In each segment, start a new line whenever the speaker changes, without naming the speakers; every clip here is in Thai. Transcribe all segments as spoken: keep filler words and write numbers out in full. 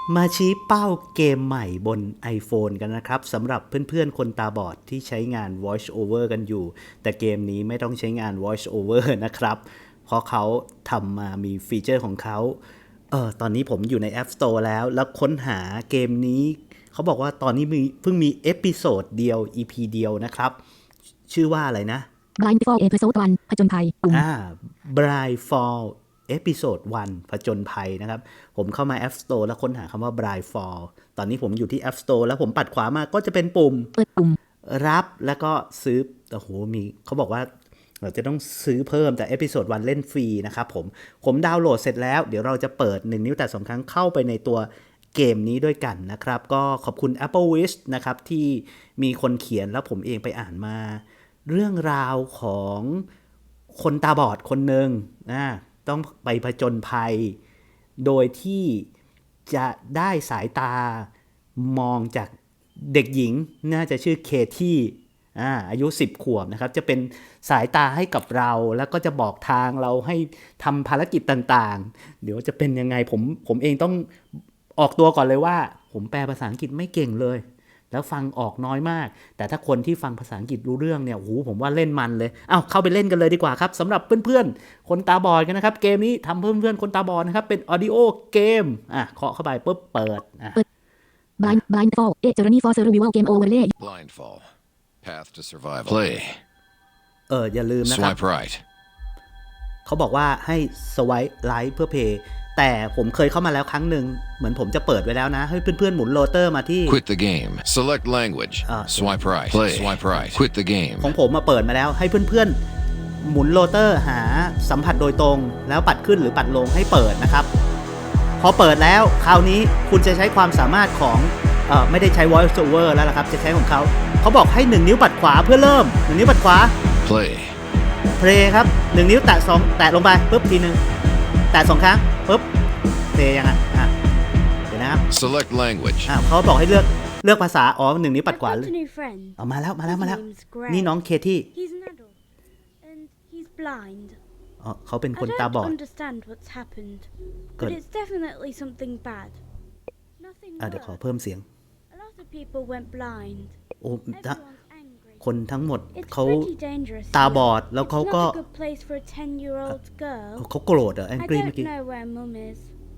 มาชี้เป้าเกมใหม่บน iPhone กันนะครับสำหรับเพื่อนๆคนตาบอดที่ใช้งาน Voice Over กันอยู่แต่เกมนี้ไม่ต้องใช้งาน Voice Over นะครับเพราะเขาทำมามีฟีเจอร์ของเขาเออตอนนี้ผมอยู่ใน App Store แล้วแล้วค้นหาเกมนี้เขาบอกว่าตอนนี้มีเพิ่งมีเอพิโซดเดียว อี พี เดียวนะครับชื่อว่าอะไรนะ
Blindfall Episode วันผจญภัยปุ่ม
อ่า Blindfall Episode วันผจญภัยนะครับผมเข้ามา App Store แล้วค้นหาคำว่า Blindfall ตอนนี้ผมอยู่ที่ App Store แล้วผมปัดขวามาก็จะเป็นปุ่ม
เปิดปุ่ม
รับแล้วก็ซื้อโอ้โหมีเขาบอกว่าเราจะต้องซื้อเพิ่มแต่ Episode วันเล่นฟรีนะครับผมผมดาวน์โหลดเสร็จแล้วเดี๋ยวเราจะเปิดหนึ่งนิ้วแต่สองครั้งเข้าไปในตัวเกมนี้ด้วยกันนะครับก็ขอบคุณ Applewish นะครับที่มีคนเขียนแล้วผมเองไปอ่านมาเรื่องราวของคนตาบอดคนหนึ่งนะต้องไปผจญภัยโดยที่จะได้สายตามองจากเด็กหญิงน่าจะชื่อเคที่อ่าอายุสิบขวบนะครับจะเป็นสายตาให้กับเราแล้วก็จะบอกทางเราให้ทำภารกิจต่างๆเดี๋ยวจะเป็นยังไงผมผมเองต้องออกตัวก่อนเลยว่าผมแปลภาษาอังกฤษไม่เก่งเลยแล้วฟังออกน้อยมากแต่ถ้าคนที่ฟังภาษาอังกฤษรู้เรื่องเนี่ยโอ้โหผมว่าเล่นมันเลยเอ้าเข้าไปเล่นกันเลยดีกว่าครับสำหรับเพื่อนๆคนตาบอดกันนะครับเกมนี้ทำเพื่อนๆคนตาบอดนะครับเป็นออดิโอเกมอ่ะเคาะเข้าไปปุ๊บเปิดอ่ะ
Blind Blindfall A Journey for Survival Game Overlay
Blindfall Path to Survival Play
เอออย่าลืมนะครับ
Swipe right
เขาบอกว่าให้สไวป์ไลท์เพื่อเพย์แต่ผมเคยเข้ามาแล้วครั้งหนึ่งเหมือนผมจะเปิดไว้แล้วนะให้เพื่อนๆหมุนโรเตอร์มาที่
Quit the game Select language Swipe right Play Swipe right Quit the game
ของผมมาเปิดมาแล้วให้เพื่อนๆหมุนโรเตอร์หาสัมผัสโดยตรงแล้วปัดขึ้นหรือปัดลงให้เปิดนะครับพอเปิดแล้วคราวนี้คุณจะใช้ความสามารถของเอ่อไม่ได้ใช้ voice over แล้วล่ะครับจะใช้ของเขาเขาบอกให้หนึ่งนิ้วปัดขวาเพื่อเริ่มหนึ่งนิ้วปัดขวา
Play
play ครับหนึ่งนิ้วแตะสองแตะลงไปปุ๊บทีนึงแตะสองครั้งปุ๊บ play ยังไงอ่ะเดี๋ยวนะครับ
Select language
อ่ะเขาบอกให้เลือกเลือกภาษาอ๋อหนึ่งนิ้วปัดขวา
I've got a new friend.
เอามาแล้วมาแล้วมาแล้ว
His name's Greg.
นี่น้องเคที่
He's an adult and he's blind.
อ๋อเขาเป็นคน
I
ตา
don't
บอด
understand what's happened,
Good.
but it's definitely something bad. Nothing
อ่ะเดี๋ยวขอ
worse.
เพิ่มเสียง
A lot of people went blind.
โอ้ถ้า
Everyone's angry.
คนทั้งหมด
It's
เขา
pretty dangerous.
ตา
here.
บอดแล้วเขา
It's
ก็
not a good place for a ten-year-old girl.
เขาโกรธเหรอแอง
I
กี้เมื่อ
don't
กี้
know where Mum is.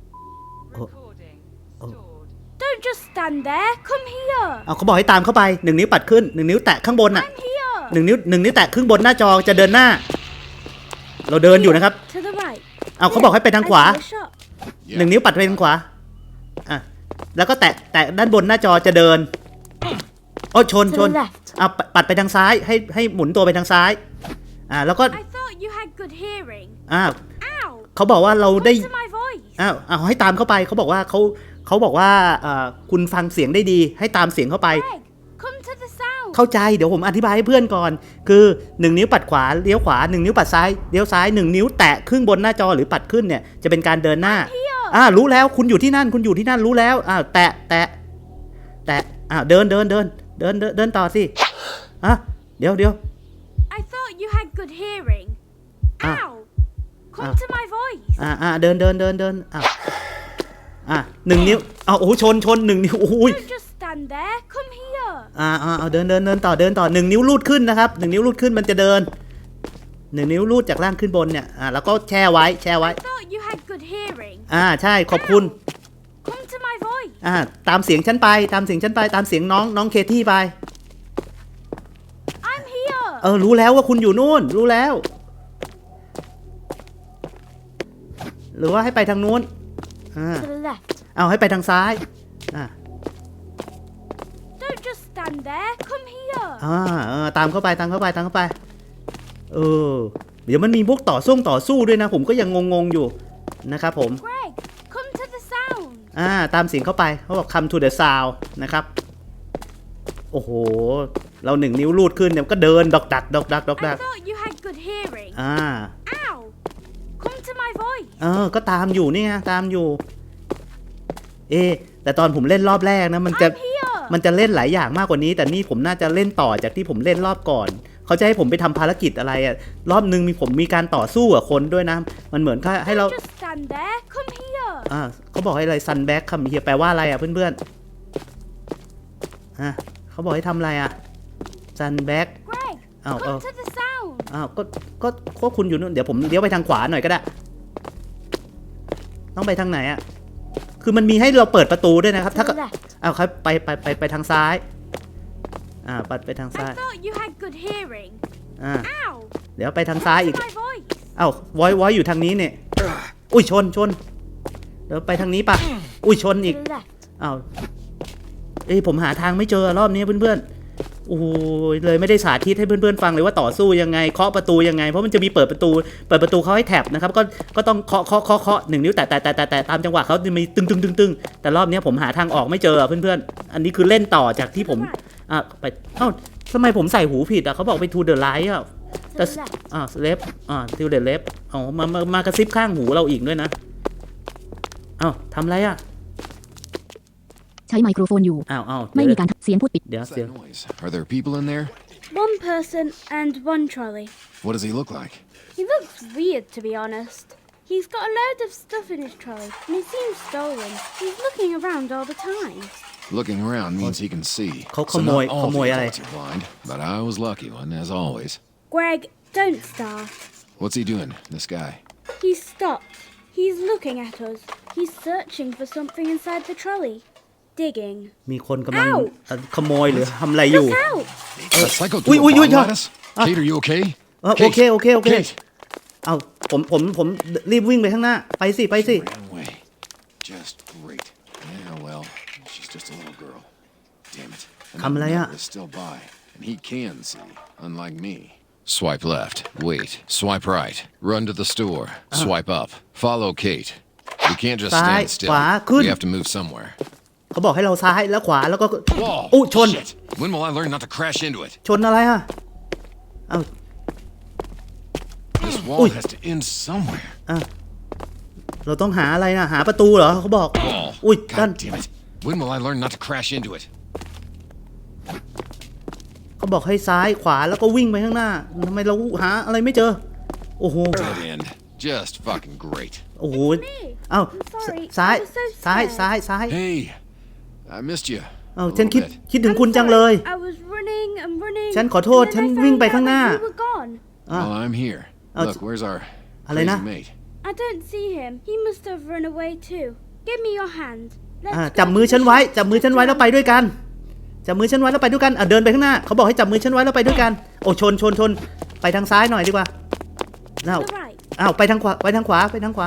Recording stored.
Don't just stand there. Come here.
เอาเขาบอกให้ตามเข้าไปหนึ่งนิ้วปัดขึ้นหนึ่งนิ้วแตะข้างบนน่ะ
I'm here.
หนึ่งนิ้วหนึ่งนิ้วแตะครึ่งบนหน้าจอจะเดินหน้า เราเดินอยู่นะครับ
To the right.
เอาเขาบอกให้ไปทางขวา
I see a shop.
หนึ่งนิ้วปัดไปทางขวาอ่ะแล้วก็แตะแตะด้านบนหน้าจอจะเดินโอ้ชน
To
ชน
the left.
เอาปัดไปทางซ้ายให้ให้หมุนตัวไปทางซ้ายอ่าแล้วก็
I thought you had good hearing.
อ่า
Ow.
เขาบอกว่าเราได้
Listen to my voice.
อ้าวเอาให้ตามเข้าไปเขาบอกว่าเขาเขาบอกว่าเอ่อคุณฟังเสียงได้ดีให้ตามเสียงเข้าไป
Greg, come to the sound.
เข้าใจเดี๋ยวผมอธิบายให้เพื่อนก่อนคือหนึ่งนิ้วปัดขวาเลี้ยวขวาหนึ่งนิ้วปัดซ้ายเลี้ยวซ้ายหนึ่งนิ้วแตะครึ่งบนหน้าจอหรือปัดขึ้นเนี่ยจะเป็นการเดินหน้าอ่ารู้แล้วคุณอยู่ที่นั่นคุณอยู่ที่นั่นรู้แล้วอ่าแตะแตะแตะอ่าเดินเดินเดินเดินเดินเดินต่อสิอ่ะเดี๋ยวเดี๋ยว
I thought you had good hearing.
Ah.
Ow. Come
Ah.
to my voice.
อ่าอ่าเดินเดินเดินเดินอ่าอ่าหนึ่งนิ้วเอาโอ้โหชนชนหนึ่งนิ้วโอ้ย
Don't just stand there. Come here.
อ่าอ่าเอาเดินเดินเดินต่อเดินต่อหนึ่งนิ้วลูดขึ้นนะครับหนึ่งนิ้วลูดขึ้นมันจะเดินหนึ่งนิ้วลูดจากล่างขึ้นบนเนี่ยอ่าแล้วก็แช่ไว้แช่ไว้
I thought you had good hearing.
อ่าใช่ขอบคุณ
Come to my voice.
อ่าตามเสียงฉันไปตามเสียงฉันไปตามเสียงน้องน้องเคที่ไป
I'm here.
เออรู้แล้วว่าคุณอยู่นู่นรู้แล้ว หรือว่าให้ไปทางนู้นอ่า
To the left.
เอาให้ไปทางซ้ายอ่า
Don't just stand there. Come here.
อ่าเออตามเข้าไปตามเข้าไปตามเข้าไปเออเดี๋ยวมันมีพวกต่อสู้ต่อสู้ด้วยนะผมก็ยังงงๆอยู่นะครับผม
Greg, come to the sound.
อ่าตามเสียงเข้าไปเขาบอก come to the sound นะครับโอ้โหเราหนึ่งนิ้วลูดขึ้นเนี่ยก็เดินดอกดักดอกดักดอกดั
I
ก
thought you had good hearing.
อ่า
Ow. Come to my voice.
เออก็ตามอยู่นี่ไงตามอยู่เอะแต่ตอนผมเล่นรอบแรกนะมันจะ
I'm here.
มันจะเล่นหลายอย่างมากกว่านี้ แต่นี่ผมน่าจะเล่นต่อจากที่ผมเล่นรอบก่อน เข้าเขาจะให้ผมไปทำภารกิจอะไรอะรอบนึงมีผมมีการต่อสู้กับคนด้วยนะมันเหมือนแค่ให้เรา
Don't just stand there. Come here.
อ่าเขาบอกให้อะไรซันแบ็กคำเฮียแปลว่าอะไรอ่ะเพื่อนๆอ่ะเขาบอกให้ทำอะไรอ่ะซันแบ็ก
Greg,
อ้าวเออ
come to the sound.
อ้าวก็ก็ก็คุณอยู่นู่นเดี๋ยวผมเลี้ยวไปทางขวาหน่อยก็ได้ต้องไปทางไหนอ่ะคือมันมีให้เราเปิดประตูด้วยนะครับ
To
ถ้า
the
ก็
left.
อ้าวครับไปไปไปไปทางซ้ายอ่าปัดไปทางซ้าย
I thought you had good hearing.
อ่า
Ow!
เดี๋ยวไปทางซ้ายอีก
My voice.
อ้าววอยวอยอยู่ทางนี้เนี่ยอุ้ยชนชนเดี๋ยวไปทางนี้ปะอุ้ยชน
To
อีก
the left.
อ้าวเอ้ยผมหาทางไม่เจอรอบนี้เพื่อนๆโอ้ยเลยไม่ได้สาธิตให้เพื่อนๆฟังเลยว่าต่อสู้ยังไงเคาะประตูยังไงเพราะมันจะมีเปิดประตูเปิดประตูเขาให้แท็บนะครับก็ก็ต้องเคาะเคาะเคาะเคาะหนึ่งนิ้วแต่แต่แต่แต่แต่ตามจังหวะเขาจะมีตึงตึงตึงตึงแต่รอบนี้ผมหาทางออกไม่เจอเพื่อนๆอันนี้คือเล่นต่อจากที่ผมอ่ะไปเอ้าทำไมผมใส่หูผิดอ่ะเขาบอกไป to the right อ่ะ
To
แต่
the left.
อ่าเลฟอ่า to the left เอามามามากระซิบข้างหูเราอีกด้วยนะเอ้าทำไรอ่ะ
ใช้ไมโครโฟนอยู่
อ้าวอ้าว
ไม่
เดี๋ยว
มีการเสียงพูดปิด
เดี๋ยว
What's
เสียง
that noise? Are there people in there?
One person and one trolley.
What does he look like?
He looks weird, to be honest. He's got a load of stuff in his trolley, and it seems stolen. He's looking around all the time.
Looking around means he can see.
เขา
So
ขโมย
not
ข
all
โมยอะไร
the adults are blind, but I was lucky one, as always.
Greg, don't start.
What's he doing, this guy?
He's stopped. He's looking at us. He's searching for something inside the trolley. Digging.
มีคนกำลัง
อ้าว
เอ่อขโมยหรือทำอะไรอยู่
Look out!
A psycho
Ui,
threw
ui,
a
ui,
bomb
yeah.
at us?
Ah.
Kate, are you okay?
เออโอเคโอเคโอเค
Kate!
เอาผมผมผมรีบวิ่งไปข้างหน้าไปสิไปสิ
Ran away. Just great. Yeah, well, she's just a little girl. Damn it. And
Come
that
lại ạ.
neighbor is still by, and he can see, unlike me. Swipe left. Wait. Swipe right. Run to the store. Swipe up. Follow Kate. You can't just
ซ้าย
stand
ข
still.
วาขึ้น
We have to move somewhere.
เขาบอกให้เราซ้ายแล้วขวาแล้วก็
Whoa!
อู้ชน
Shit! When will I learn not to crash into it?
ชนอะไรอ่ะเอา
This wall
Ui.
has to end somewhere.
เราต้องหาอะไรนะหาประตูเหรอเขาบอก
Wall.
อุ้ยด้าน
God damn it. When will I learn not to crash into it?
เขาบอกให้ซ้ายขวาแล้วก็วิ่งไปข้างหน้าทำไมเราหาอะไรไม่เจอโอ้โห
Dead end. Just fucking great.
โอ้โห
Me.
เอ้า
I'm sorry.
ซ้าย
I was so
ซ้าย
scared.
ซ้ายซ้าย
Hey, I missed you.
เอ้า
a
ฉัน
little
คิด
bit.
คิดถึง
I'm
คุณจังเลย
sorry. I was running and running.
ฉันขอโทษ
and then
ฉัน
I
วิ่ง
found
ไป
out
ข้างหน้า
that you were gone.
Well, I'm here.
Oh,
Look, where's our
อะไร
crazy
นะ
mate?
I don't see him. He must have run away too. Give me your hand. Let's
อ่า
go
จับ
to
มือ
the
ฉันไว้
shop.
จับมือฉันไว้แล้วไปด้วยกันจับมือฉันไว้แล้วไปด้วยกันอ่ะเดินไปข้างหน้าเขาบอกให้จับมือฉันไว้แล้วไปด้วยกันโอ้ชนชนชนไปทางซ้ายหน่อยดีกว่าอ้าว
To the right.
อ้าวไปทางขวาไปทางขวาไปทางขวา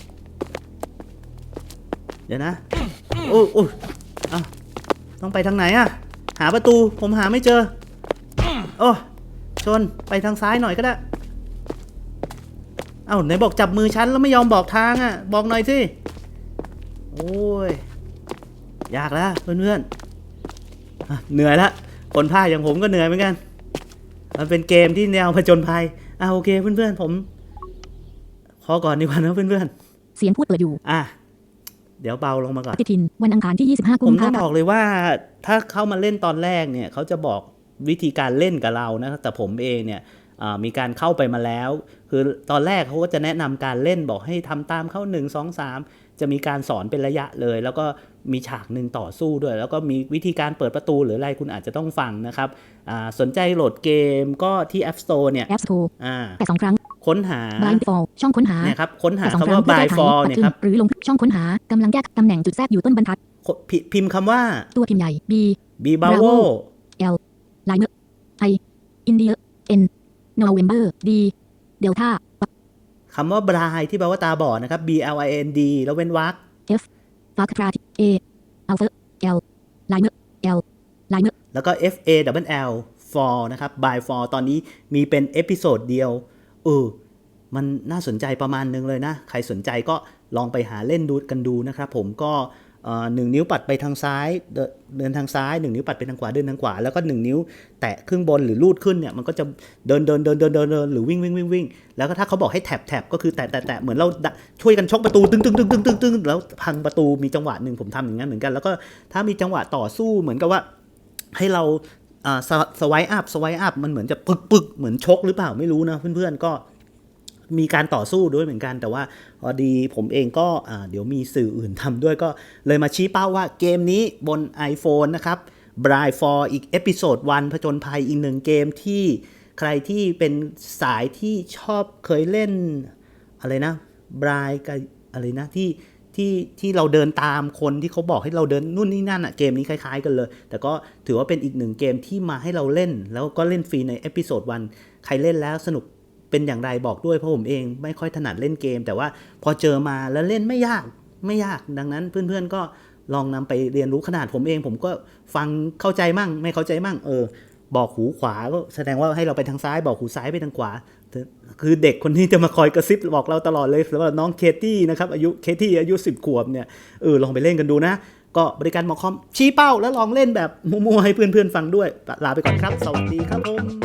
เดี๋ยวนะโอ้โอ้อ้าวต้องไปทางไหนอะหาประตูผมหาไม่เจอโอ้ชนไปทางซ้ายหน่อยก็ได้เอ้าไหนบอกจับมือฉันแล้วไม่ยอมบอกทางอะบอกหน่อยสิโอ้ยยากแล้วเพื่อนๆอ่ะเหนื่อยละคนพากย์อย่างผมก็เหนื่อยเหมือนกันมันเป็นเกมที่แนวผจญภัยอ่ะโอเคเพื่อนๆผมขอก่อนดีกว่านะเพื่อน
เสียงพูดเปิดอยู่
ๆอ่ะเดี๋ยวเบาลงมาก่อน
ปฏิทินวันอังคารที่ยี่สิบห้ากุ
ผม มต้
ภา
อง
พัน
บ
ธ์
อกเลยว่าถ้าเข้ามาเล่นตอนแรกเนี่ยเขาจะบอกวิธีการเล่นกับเรานะแต่ผมเองเนี่ยอ่ามีการเข้าไปมาแล้ว คือตอนแรกเขาก็จะแนะนำการเล่นบอกให้ทำตามเข้าหนึ่ง สอง สามจะมีการสอนเป็นระยะเลย แล้วก็มีฉากหนึ่งต่อสู้ด้วย แล้วก็มีวิธีการเปิดประตูหรืออะไรคุณอาจจะต้องฟังนะครับอ่าสนใจโหลดเกมก็ที่ App Store เนี่ย
แอปสโตร์
อ่า
แต่สองครั้ง
ค้นหา
Blind Fall ช่องค้นหา
เนี่ยครับค้นหา
แต่สอง
คำ
ครั้ง
ว่า
เพื่อ
by
แก้ไข
fall
ปัด
เนี่ย
ขึ้
คน รับ
หรือลงช่องค้นหากำลังแก้ตำแหน่งจุดแทรกอยู่ต้นบรรทัด
พิพิมพ์คำว่า
ตัวพิมพ์ใหญ่ B
b b a v o
L Liner I India N November D Delta
คำว่า blind ที่แปลว่าตาบอดนะครับ B L I N D แล้วเว้นวรรค
F Fuck A Alpha L Liner L Liner
แล้วก็ F A W L fall นะครับ by fall ตอนนี้มีเป็นเอพิโซดเดียวเออมันน่าสนใจประมาณนึงเลยนะ ใครสนใจก็ลองไปหาเล่นดูกันดูนะครับผมก็เอ่อหนึ่งนิ้วปัดไปทางซ้ายเดินเดินทางซ้ายหนึ่งนิ้วปัดไปทางขวาเดินทางขวาแล้วก็หนึ่งนิ้วแตะครึ่งบนหรือลูดขึ้นเนี่ยมันก็จะเดินเดินเดินเดินเดินเดินหรือวิ่งวิ่งวิ่งวิ่งแล้วก็ถ้าเขาบอกให้แท็บแท็บก็คือแตะแตะแตะเหมือนเราช่วยกันชกประตูตึ้งตึ้งตึ้งตึ้งตึ้งตึ้งแล้วพังประตูมีจังหวะหนึ่งผมทำอย่างนั้นเหมือนกันแล้วก็ถ้ามีจังหวะต่อสู้เหมือนกับว่าให้เราอ่าสไวอัพสไวอัพมันเหมือนจะปึกปึกเหมือนชกหรือเปล่าไม่รู้นะเพื่อนๆก็มีการต่อสู้ด้วยเหมือนกันแต่ว่าพอดีผมเองก็อ่าเดี๋ยวมีสื่ออื่นทำด้วยก็เลยมาชี้เป้าว่าเกมนี้บน iPhone นะครับ Bride for อีกเอพิโซดวันผจญภัยอีกหนึ่งเกมที่ใครที่เป็นสายที่ชอบเคยเล่นอะไรนะ Bride กับอะไรนะที่ที่ที่เราเดินตามคนที่เขาบอกให้เราเดินนู่นนี่นั่นอะเกมนี้คล้ายๆกันเลยแต่ก็ถือว่าเป็นอีกหนึ่งเกมที่มาให้เราเล่นแล้วก็เล่นฟรีในเอพิโซดวันใครเล่นแล้วสนุกเป็นอย่างไรบอกด้วยเพราะผมเองไม่ค่อยถนัดเล่นเกมแต่ว่าพอเจอมาแล้วเล่นไม่ยากไม่ยากดังนั้นเพื่อนๆก็ลองนำไปเรียนรู้ขนาดผมเองผมก็ฟังเข้าใจมั่งไม่เข้าใจมั่งเออบอกหูขวาก็แสดงว่าให้เราไปทางซ้ายบอกหูซ้ายไปทางขวาคือเด็กคนนี้จะมาคอยกระซิบบอกเราตลอดเลยสำหรับน้องเคที่นะครับอายุเคที่อายุสิบขวบเนี่ยเออลองไปเล่นกันดูนะก็บริการหมอคอมชี้เป้าแล้วลองเล่นแบบมั่วๆให้เพื่อนๆฟังด้วยลาไปก่อนครับสวัสดีครับผม